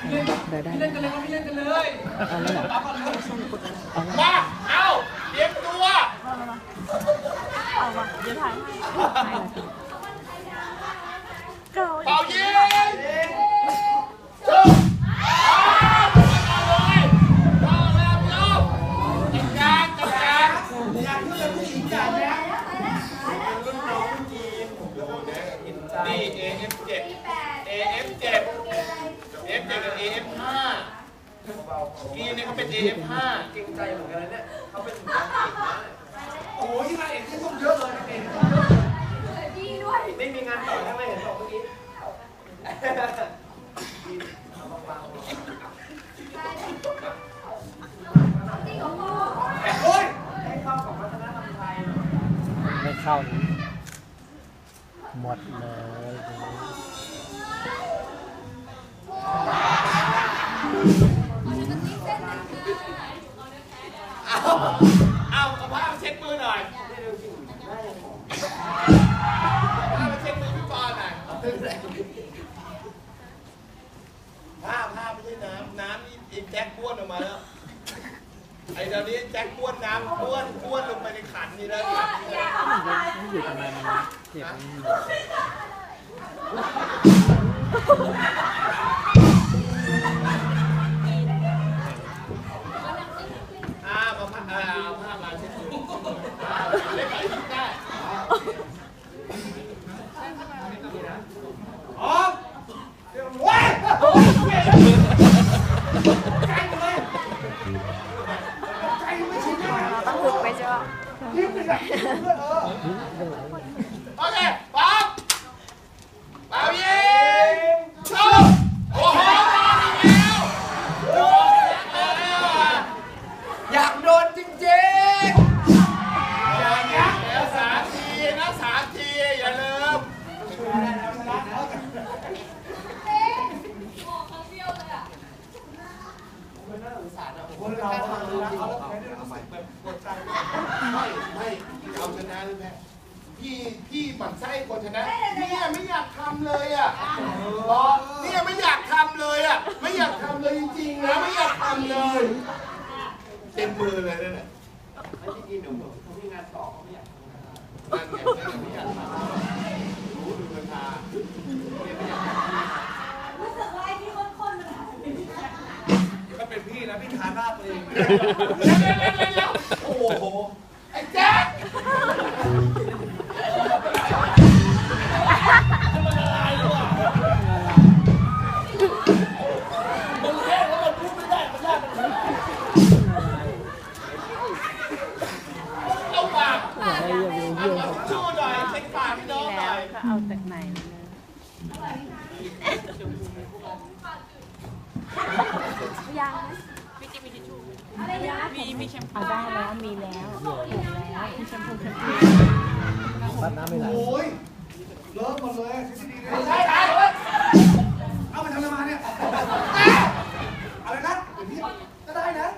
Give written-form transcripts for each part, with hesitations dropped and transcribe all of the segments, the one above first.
ได้พี่เล่นกันเลยพี่เล่นกันเลยเอาแล้วเหรอมาเอาเตรียมตัวเอามาเดี๋ยวถ่ายให้เก่าเป่ายิงจุ๊บเอาเลยเอาแล้วจุ๊บจัดการอยากขึ้นเลยผู้หญิงจัดแล้วรุ่นน้องจีนนี่ AF7 AF7 F7 กับ AF5 กีนเนี่ยเขาเป็น AF5 เก่งใจเหมือนกันนะเนี่ยเขาเป็นนางเอกนะโอ้ยนางเอกที่ต้องเยอะเลยนางเอกพี่ด้วยไม่มีงานต่อใช่ไหมเห็นบอกเมื่อกี้โอ้ยให้เข้ากับวัฒนธรรมไทยไม่เข้าหมดเลยเอาผ้ามาเช็ดมือหน่อยผ้ามาเช็ดมือพี่ปอนหน่อยผ้าไม่ใช่น้ำนี่ไอ้แจ็คบ้วนออกมาแล้วไอ้ตอนนี้แจ็คบ้วนน้ำบ้วนลงไปในขันนี่แล้วไม่อยู่ทำไมมันเจ็บเอาผ้ามาเช็ดมือเล่นไปยิ้มได้อ๋อว้ายใจเลยใจไม่ชินเลยต้องฝึกไปใช่ปะยิ้มเลยอะโอเคป๊อปเป่ายิงชุบโอ้โหมาแล้วโดนแล้วอยากโดนจริงอย่างนี้แล้ว3 ทีนะ3 ทีอย่าลืมคนเราทำดูเขาแล้วไม่ได้รู้สึกแบบปวดใจไม่เอาชนะเลยแม่พี่ปั่นไส้คนชนะเนี่ยไม่อยากทำเลยอ่ะเนี่ยไม่อยากทำเลยอ่ะไม่อยากทำเลยจริงๆนะไม่อยากทำเลยเต็มมือเลยนั่นแหละไม่จริงๆเดี๋ยวเขามีงานต่อเขาไม่อยากทำนั่นไงไม่อยากทำรู้ดูราคาเนี่ยไม่อยากทำรู้สึกว่าไอ้ที่ข้นๆมันอาจจะเป็นพี่แจ๊คก็เป็นพี่นะพี่ทาหน้าตัวเองโอ้โหไอ้แจ๊คเอาปากเอาชู้หน่อยเช็คปากพี่น้องหน่อยก็เอาแต่ไหนยังมีจิมีทิชชู่มีแชมพูได้แล้วมีแล้วถูกแล้วมีแชมพูปัดน้ำไม่ไหลโอ้ยเลิกหมดเลยทฤษฎีเลยใช่ไหมเอามาทำอะไรมาเนี่ยอะไรนะเดี๋ยวพี่ก็ได้นะ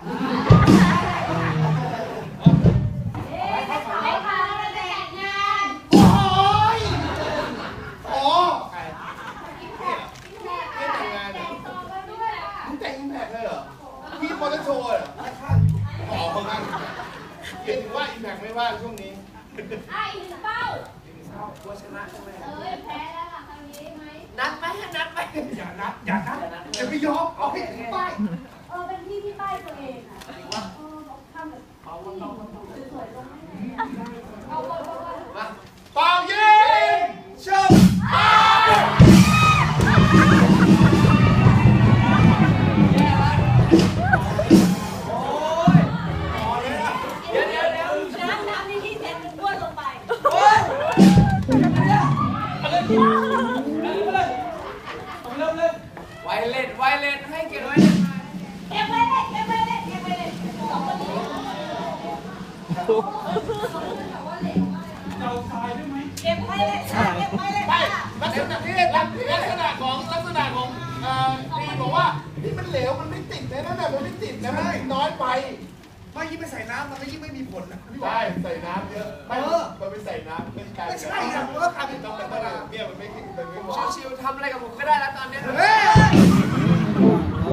ไอ้พาเราแต่งงานโอ้ยโอ้ใครไม่แต่งงานเหรอมึงแต่งอิมแพคเลยเหรอพี่มอเตอร์โชว์เหรออ๋อเขางั้นเห็นว่าอิมแพคไม่ว่างช่วงนี้ไอ้ถึงเป้าว่าชนะใช่ไหมแพ้แล้วล่ะคราวนี้ไหมนัดไหมนัดไหมอย่านัดอย่าไปยอมเอาให้ถึงป้ายเป็นพี่ที่ป้ายตัวเองอ่ะบอกทำแบบสวยๆลงให้เอาเป่ายิงชุบน้ำนี่ที่เซ็นมันบ้วนลงไปไวเล่นให้เกียรติไวเล่นเก็บไว้เลยสองคนนี้เก็บไว้เลยไม่ลักษณะที่ลักษณะของพี่บอกว่านี่มันเหลวมันไม่ติดนะนั่นแหละมันไม่ติดนะมันติดน้อยไปไม่ยิ่งไปใส่น้ำมันก็ยิ่งไม่มีผลนะใช่ใส่น้ำเยอะไม่มันไปใส่น้ำเป็นการไม่ใช่ครับเพราะว่าการเป็นต้องเป็นเนี่ยมันไม่เหมาะชิวๆทำอะไรกับผมก็ได้แล้วตอนนี้เฮ้ย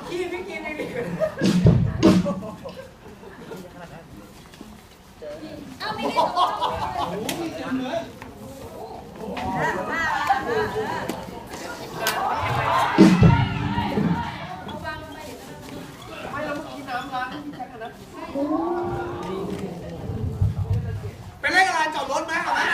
ขี้ไม่กินเลยดิเอาไม่ได้ตัวโอ้โหมีเต็มเลยไม่เราเมื่อกี้น้ำล้างที่ใช้กันนะเป็นเลขอะไรจอดรถไหมเอาไหม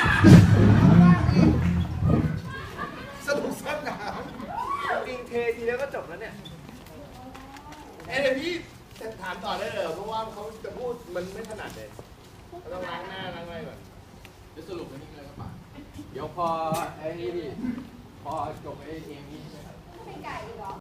สนุกสนานจริงเททีแล้วก็จบแล้วเนี่ยเดี๋ยวพี่จะถามต่อได้เลยเพราะว่าเขาจะพูดมันไม่ถนัดเลยเราต้องล้างหน้าล้างอะไรก่อนจะสรุปกันนี่เลยครับป่ะเดี๋ยวพอไอ้นี่พี่พอจบไอ้เองนี่เป็นไก่เหรอ